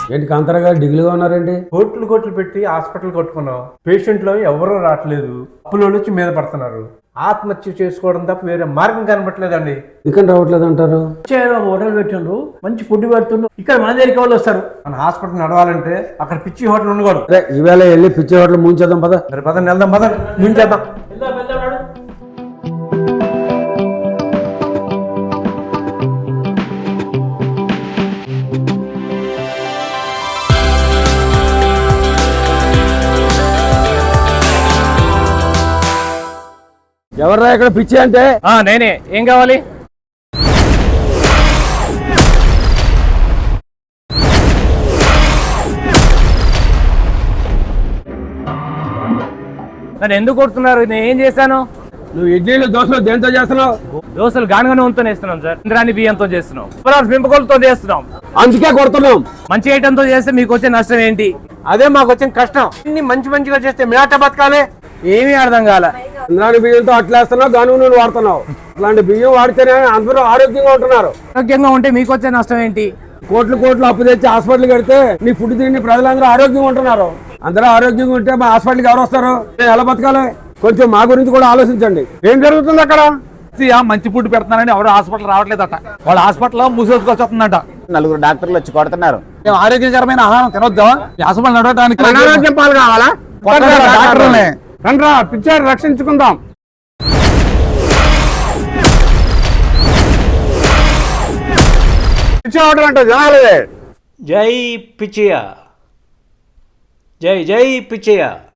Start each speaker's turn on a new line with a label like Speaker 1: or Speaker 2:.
Speaker 1: ఏంటి కాంతారా డిగ్రీగా ఉన్నారండి?
Speaker 2: కోట్లు పెట్టి హాస్పిటల్ కట్టుకున్నాం. పేషెంట్లో ఎవరూ రావట్లేదు. అప్పులో వచ్చి మీద పడుతున్నారు. ఆత్మహత్య చేసుకోవడం తప్ప వేరే మార్గం కనబట్టలేదండి.
Speaker 1: ఇక్కడ రావట్లేదు అంటారు.
Speaker 3: హోటల్ పెట్టిండ్రు, మంచి ఫుడ్ పెడుతుండ్రు. ఇక్కడ మన దగ్గరికి వాళ్ళు వస్తారు.
Speaker 2: మన హాస్పిటల్ నడవాలంటే అక్కడ పిచ్చి హోటల్ ఉండకూడదు.
Speaker 1: అరే ఈవేళ వెళ్ళి పిచ్చి హోటల్ ముంచేద్దాం పద.
Speaker 2: మరి పదండి వెళ్దాం, పదండి ముంచేద్దాం.
Speaker 1: ఎవర్రా ఇక్కడ పిచ్చి అంటే?
Speaker 4: నేనే. ఏం కావాలి? నన్ను ఎందుకు కొడుతున్నారు? నేను ఏం చేశాను?
Speaker 1: నువ్వు ఇడ్లీలు దోశలు దేంతో చేస్తున్నావు?
Speaker 4: దోశలు గానుగా నూనెతో వేస్తున్నాం సార్. ఇంద్రాణి బియ్యంతో చేస్తున్నాం. పెంపకొలతో చేస్తున్నాం.
Speaker 1: అందుకే కొడుతున్నాం.
Speaker 4: మంచి ఐటంతో చేస్తే మీకు వచ్చే నష్టం ఏంటి?
Speaker 2: అదే మాకు వచ్చిన కష్టం. ఇన్ని మంచిగా చేస్తే మేట బతకాలే.
Speaker 4: ఏమీ అర్థం కాల.
Speaker 1: ఇంద్రాణి బియ్యంతో అట్లేస్తున్నావు, గాను నూనె వాడుతున్నావు. అలాంటి బియ్యం వాడితేనే అందరూ ఆరోగ్యంగా ఉంటున్నారు.
Speaker 4: ఆరోగ్యంగా ఉంటే మీకు వచ్చే నష్టం ఏంటి?
Speaker 1: కోట్లు అప్పు తెచ్చి హాస్పిటల్ కడితే నీ ఫుడ్ తిని ప్రజలందరూ ఆరోగ్యంగా ఉంటున్నారు. అందరూ ఆరోగ్యంగా ఉంటే మా హాస్పిటల్కి ఎవరు వస్తారు? ఎలా బతకాలి? కొంచెం మా గురించి కూడా ఆలోచించండి. ఏం జరుగుతుంది అక్కడ?
Speaker 5: మంచి ఫుడ్ పెడుతున్నారని ఎవరు హాస్పిటల్ రావట్లేదట. వాళ్ళ హాస్పిటల్ మూసేసుకొచ్చుందట.
Speaker 6: 4 డాక్టర్లు వచ్చి కొడుతున్నారు.
Speaker 5: మేము ఆరోగ్యకరమైన ఆహారం తినొద్దా? హాస్పిటల్ నడవడానికి
Speaker 1: అనారోగ్యం పాలు కావాలా?
Speaker 5: డాక్టర్లే.
Speaker 1: రండ్రా పిచ్చారు రక్షించుకుందాం. పిచ్చి అవడం అంటే జనాలే.
Speaker 3: జై పిచ్చయ్య, జై పిచ్చయ్య.